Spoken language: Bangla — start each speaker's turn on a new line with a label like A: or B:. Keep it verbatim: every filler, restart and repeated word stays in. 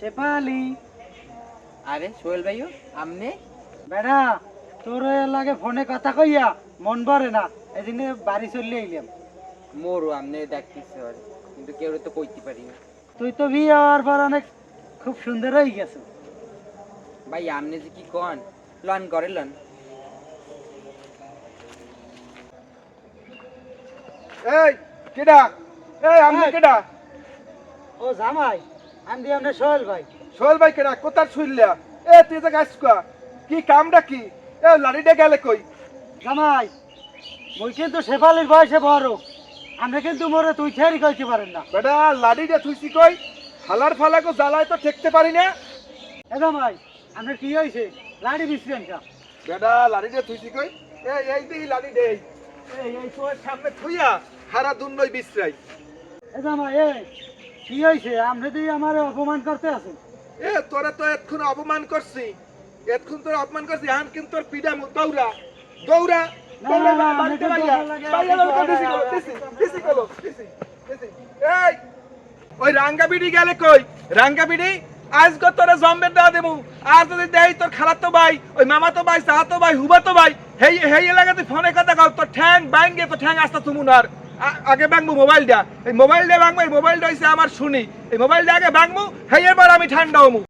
A: শেফালি।
B: আরে সোহেল ভাইও আমনে
A: বেড়া তোর লাগে ফোনে কথা কইয়া মন ভরে না, এই জন্য বাড়ি চলে আইলাম।
B: মোরও আমনে দেখতেছে ওরে, কিন্তু কেউ তো কইতে পারি না।
A: তুই তো বিয়ে হওয়ার পর অনেক খুব সুন্দর হয়ে গেছো।
B: ভাই আমনে যে কি কন, লন করে লন।
C: এই কেডা? এই আমি
A: এই।
C: কেডা?
A: ও জামাই, আমি দিয়ে আপনার সোহেল ভাই।
C: সোহেল ভাই কেডা? কোথার শুইলা? এ তুই তো গাছ কা কি কামটা কি? এ লাড়িটা গেলে কই?
A: জামাই, মুই কিন্তু শেফালির বয়সে বড়, আপনি কিন্তু মোরে তুই ছেড়ি কইতে পারেন না।
C: বেটা লাড়িটা থুইছি কই? হালার ফালাকো জ্বালায় তো ঠেকতে পারি না।
A: এ জামাই, আপনার কি হয়েছে? লাড়ি বিছলেন কা?
C: বেটা লাড়িটা থুইছি কই? এই এই দিই লাড়ি দেই। এই এই তোর সামনে থুইয়া হারা দুনই বিশ্রাই।
A: এ জামাই, এ কি হয়েছে? আপনি দিয়ে আমার অপমান করতে আছেন।
C: এ তোরা তো এতক্ষণ অপমান করছি, এতক্ষণ তোর অপমান করছি, এখন কিন্তু তোর পিডা মু দৌড়া দৌড়া
A: না,
C: দৌড়া,
A: না,
C: বাড়িতে
A: আমি কিন্তু
C: বাইয়া,
A: ভালো লাগে,
C: বাইয়া
A: আমি
C: লোক
A: কিন্তু
C: দিছি
A: ভালো
C: গেলো,
A: লাগে।
C: দিছি, দিছি গেলো, দিছি, দিছি। এই, ওই রাঙ্গা বিড়ি গেলে কই? রাঙ্গা বিড়ি আজ গো তোরে জম্বের দেওয়া দেবো। আর যদি দেই তোর খালাতো ভাই, ওই মামাতো ভাই, চাহাতো ভাই, হুবাতো ভাই, হেই হেই এলাকাতে ফোনে কথা কও, তোর ঠ্যাং বাইঙ্গে, তোর ঠ্যাং আস্তা তুমুনার। আগে বাংবো মোবাইলটা, এই মোবাইলটা বাংবো, এই মোবাইলটা হইছে আমার শুনি, এই মোবাইলটা আগে বাংবো, হেই এবার আমি ঠান্ডা হমু।